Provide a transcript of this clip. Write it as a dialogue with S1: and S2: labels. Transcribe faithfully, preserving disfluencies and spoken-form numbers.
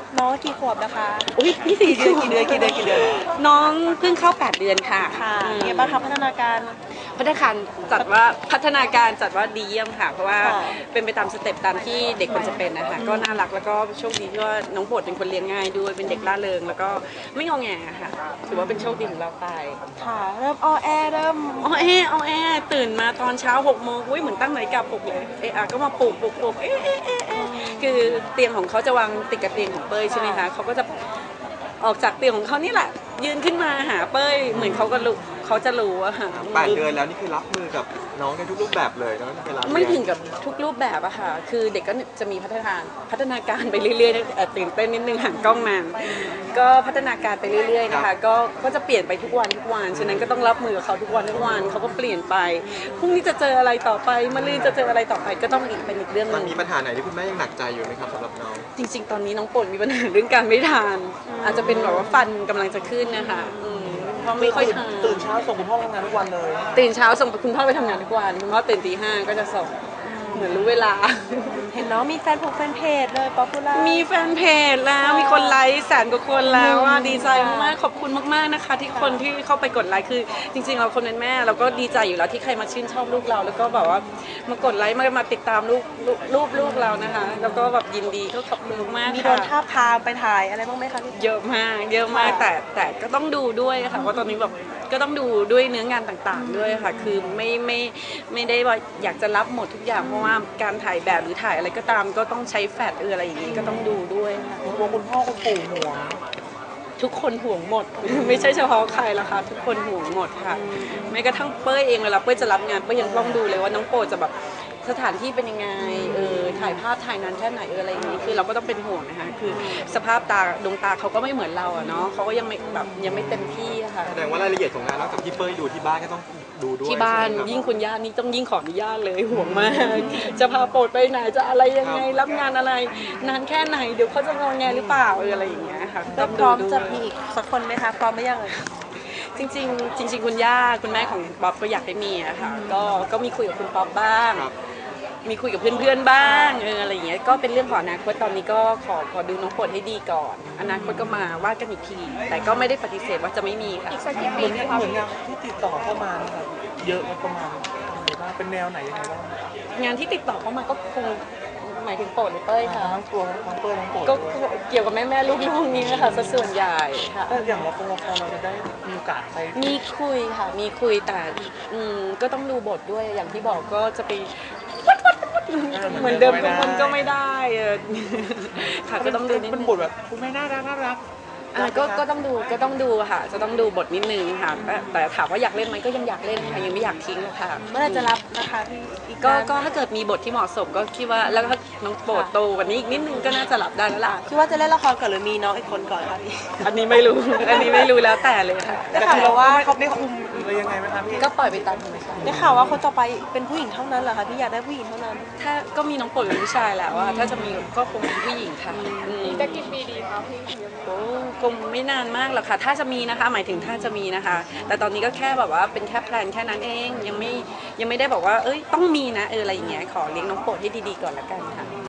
S1: น้องกี่ขวบนะคะ
S2: อุ้ยนี่สี่
S1: กี่เดือนกี่เดือนกี่เดือนกี่เดือน
S2: น้องเพิ่งเข้าแปดเดือนค่ะ
S1: ค่ะเนี่ยบ้างคะพัฒนาการ
S2: พัฒนาการจัดว่าพัฒนาการจัดว่าดีเยี่ยมค่ะเพราะว่าเป็นไปตามสเต็ปตามที่เด็กควรจะเป็นนะคะก็น่ารักแล้วก็โชคดีที่ว่าน้องโปรดเป็นคนเลี้ยงง่ายด้วยเป็นเด็กร่าเริงแล้วก็ไม่งอแงค่ะถือว่าเป็นโชคดีของเราไป
S1: ค่ะเริ่มอ้อแอเริ่ม
S2: อ้อแออ้อแอตื่นมาตอนเช้าหกโมงอุ้ยเหมือนตั้งนาฬิกาปลุกเลยเอะก็มาปลุกปลุกปลุกเอ๊ะเอ๊ะเอ๊ะคือเตียงของเขาจะวางติดกับเตียงของเป้ยใช่ไหมคะเขาก็จะออกจากเตียงของเขานี่แหละยืนขึ้นมาหาเป้ยเหมือนเขาก็รู้เขาจะรู้อะค่ะ
S3: แปดเดือนแล้วนี่คือรับมือกับน้องในทุกรูปแบบเลยนะเวลา
S2: ไม่ถึงกับทุกรูปแบบอะค่ะคือเด็กก็จะมีพัฒนาพัฒนาการไปเรื่อยๆตื่นเต้นนิดนึงห่างกล้องนานก็พัฒนาการไปเรื่อยๆนะคะก็ก็จะเปลี่ยนไปทุกวันทุกวันฉะนั้นก็ต้องรับมือกับเขาทุกวันทุกวันเขาก็เปลี่ยนไปพรุ่งนี้จะเจออะไรต่อไปมะรืนจะเจออะไรต่อไปก็ต้องอีกเป็นอีกเรื่องนึง
S3: มันมีปัญหาไหนที่คุณแม่ยังหนักใจอยู่ไหมครับสำหรับน้อง
S2: จริงๆตอนนี้น้องปนมีปัญหาเรื่องการไม่ทานอาจจะเป็นแบบว่าฟันกำลังจะขึ้นนะคะเพราะไม่ค่อยทาน
S1: ตื่นเช้าส่งคุณพ่อทำงานทุกวันเลย
S2: ตื่นเช้าส่งคุณพ่อไปทำงานทุกวันคุณพ่อตื่นตีห้าก็จะส่งเหมือนรู้เวลา
S1: เห็นน้องมีแฟนผูกแฟนเพจเลยป๊อปปูล่า
S2: มีแฟนเพจแล้วมีคนไลค์แสนกว่าคนแล้วว่าดีใจมากขอบคุณมากๆนะคะที่คนที่เข้าไปกดไลค์คือจริงๆเราคนเป็นแม่เราก็ดีใจอยู่แล้วที่ใครมาชื่นชอบลูกเราแล้วก็แบบว่ามากดไลค์มามาติดตามลูกลูกลูกเรานะคะแล้วก็แบบยินดีก็ขอบคุณมาก
S1: มีโดนท้าพาไปถ่ายอะไรบ้างไหมคะ
S2: เยอะมากเยอะมากแต่แต่ก็ต้องดูด้วยค่ะว่าตอนนี้แบบก็ต้องดูด้วยเนื้องานต่างๆด้วยค่ะคือไม่ไม่ไม่ได้ว่าอยากจะรับหมดทุกอย่างเพราะว่าการถ่ายแบบหรือถ่ายอะไรก็ตามก็ต้องใช้แฟลชเอออะไรอย่างนี้ก็ต้องดูด้วยค่ะ
S1: ห่วงคุณพ่อคุณปู่ห่วง
S2: ทุกคนห่วงหมดไม่ใช่เฉพาะใครละค่ะทุกคนห่วงหมดค่ะแม้กระทั่งเป้ยเองเวลาเป้ยจะรับงานเป้ยยังต้องดูเลยว่าน้องโปรจะแบบสถานที่เป็นยังไงเออถ่ายภาพถ่ายนานแค่ไหนเอออะไรอย่างนี้คือเราก็ต้องเป็นห่วงนะคะคือสภาพตาดวงตาเขาก็ไม่เหมือนเราอะเนาะเขาก็ยังไม่แบบยังไม่เต็มที่ค่ะ
S3: แสดงว่ารายละเอียดของงานนอกจากที่เป้ยดูที่บ้านก็ต้องดูด้วย
S2: ที่บ้านยิ่งคุณย่านี่ต้องยิ่งขออนุญาตเลยห่วงมากจะพาโปรดไปไหนจะอะไรยังไงรับงานอะไรนานแค่ไหนเดี๋ยวเขาจะงอแงหรือเปล่าเอออะไรอย่างเงี้ยค่ะ
S1: ก็พร้อมจะมีอีกสักคนไหมคะพร้อมไหมยังเลย
S2: จริงๆจริงๆคุณย่าคุณแม่ของป๊อปก็อยากให้มีอะค่ะก็ก็มีคุยกับคุณป๊อปบ้างมีคุยกับเพื่อนๆบ้างเอออะไรอย่างเงี้ยก็เป็นเรื่องของอนาคตตอนนี้ก็ขอขอดูน้องโปรดให้ดีก่อนอนาคตก็มาว่ากันอีกทีแต่ก็ไม่ได้ปฏิเสธว่าจะไม่มีค่ะ
S1: อีกสักกี่ปีนะคะเหมือนงานที่ติดต่อเข้ามานะครับเยอะประมาณว่าเป็นแนวไหนยังไงบ้าง
S2: งานที่ติดต่อเข้ามาก็คงหมายถึงโปรดหรือเป้ยค่ะ
S1: ทั้งตัวทั้งเป้ยทั้งโปรด
S2: ก็เกี่ยวกับแม่แม่ลูกๆนี้นะคะส่วนใหญ่ค่ะ
S1: แต่อย่างละครละครเราจะได้มีโอกาสไป
S2: มีคุยค่ะมีคุยแต่อืมก็ต้องดูบทด้วยอย่างที่บอกก็จะไปเหมือนเดิมทุกคนก็ไม่ได้ค่ะก็ต้องดูนิดนึง
S1: เป็นบทแบบคุณแม่น่ารักน่ารัก
S2: ก็ก็ต้องดูก็ต้องดูค่ะจะต้องดูบทนิดนึงค่ะแต่ถามว่าอยากเล่นไหมก็ยังอยากเล่นค่ะยังไม่อยากทิ้งหรอกค่ะ
S1: เมื่อไรจะรับนะคะพี่
S2: ก็ก็ถ้าเกิดมีบทที่เหมาะสมก็คิดว่าแล้วก็น้องโปรดโตกว่านี้อีกนิดนึงก็น่าจะรับได้แล้วล่ะ
S1: คิดว่าจะเล่นละครก่อนหรือมีน้องอีกคนก่อนคะพี่
S2: อันนี้ไม่รู้อันนี้ไม่รู้แล้วแต่เลยค่ะ
S1: ได้ข่าวว่าเขาไม่คุมหรือยังไงไหมคะพี่
S2: ก็ปล่อยไปตามธรรมชาติ
S1: ได้ข่าวว่าคนต่อไปเป็นผู้หญิงเท่านั้นเหรอคะพี่อยากได้ผู้หญิงเท่านั้น
S2: ถ้าก็มีน้องโปรดเป็นผู้ชายแล้วว่าถ้าจะมีก็คงเป็นผู้หญิงค่ะ
S1: จะกี่ปีดีคะพี่
S2: โอ้คงไม่นานมากหรอกค่ะถ้าจะมีนะคะหมายถึงถ้าจะมีนะคะแต่ตอนนี้ก็แค่แบบว่าเป็นแค่แพลนแค่นั้นเองยังไม่ยังไม่ได้บอกว่าเอ้ยต้องมีนะเอออะไรอย่างเงี้ยขอเลี้ยงน้องโปรดให้ดีๆก่อนละกันค่ะ